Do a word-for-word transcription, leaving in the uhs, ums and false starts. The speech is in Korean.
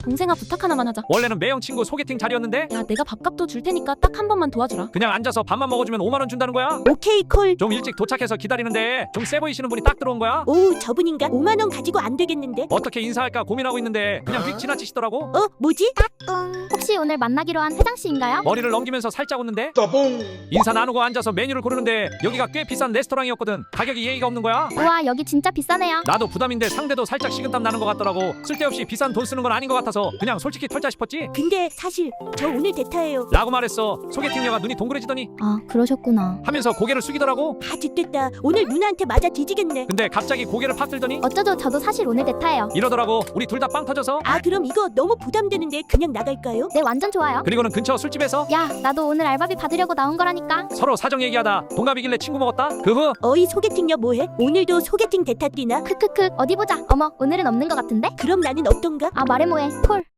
동생아 부탁 하나만 하자. 원래는 매형 친구 소개팅 자리였는데 야 내가 밥값도 줄 테니까 딱 한 번만 도와주라. 그냥 앉아서 밥만 먹어주면 오만 원 준다는 거야? 오케이 콜. 좀 일찍 도착해서 기다리는데 좀 세 보이시는 분이 딱 들어온 거야? 오 저분인가? 오만 원 가지고 안 되겠는데? 어떻게 인사할까 고민하고 있는데 그냥 휙 지나치시더라고. 어 뭐지? 혹시 오늘 만나기로 한 회장씨인가요? 머리를 넘기면서 살짝 웃는데 따봉. 인사 나누고 앉아서 메뉴를 고르는데 여기가 꽤 비싼 레스토랑이었거든. 가격이 예의가 없는 거야. 우와 여기 진짜 비싸네요. 나도 부담인데 상대도 살짝 식은땀 나는 것 같더라고. 쓸데없이 비싼 돈 쓰는 건 아닌 것 같아서 그냥 솔직히 털자 싶었지. 근데 사실 저 오늘 대타예요. 라고 말했어. 소개팅녀가 눈이 동그래지더니 아 그러셨구나. 하면서 고개를 숙이더라고. 아 죽겠다. 오늘 누나한테 맞아 뒤지겠네. 근데 갑자기 고개를 팍 들더니 어쩌죠 저도 사실 오늘 대타예요. 이러더라고. 우리 둘 다 빵 터져서. 아 그럼 이거 너무 부담되는데 그냥 나갈까요? 네 완전 좋아요. 그리고는 근처 술집에서 야 나도 오늘 알바비 받으려고 나온 거라니까. 서로 사정 얘기하다 동갑이길래 친구 먹었다. 그 후 어이 소개팅녀 뭐해? 오늘도 소개팅 대타 뛰나? 크크크 어디 보자. 어머 오늘은 없는 거 같은데? 그럼 나는 어떤가? 아 말해 뭐해 콜.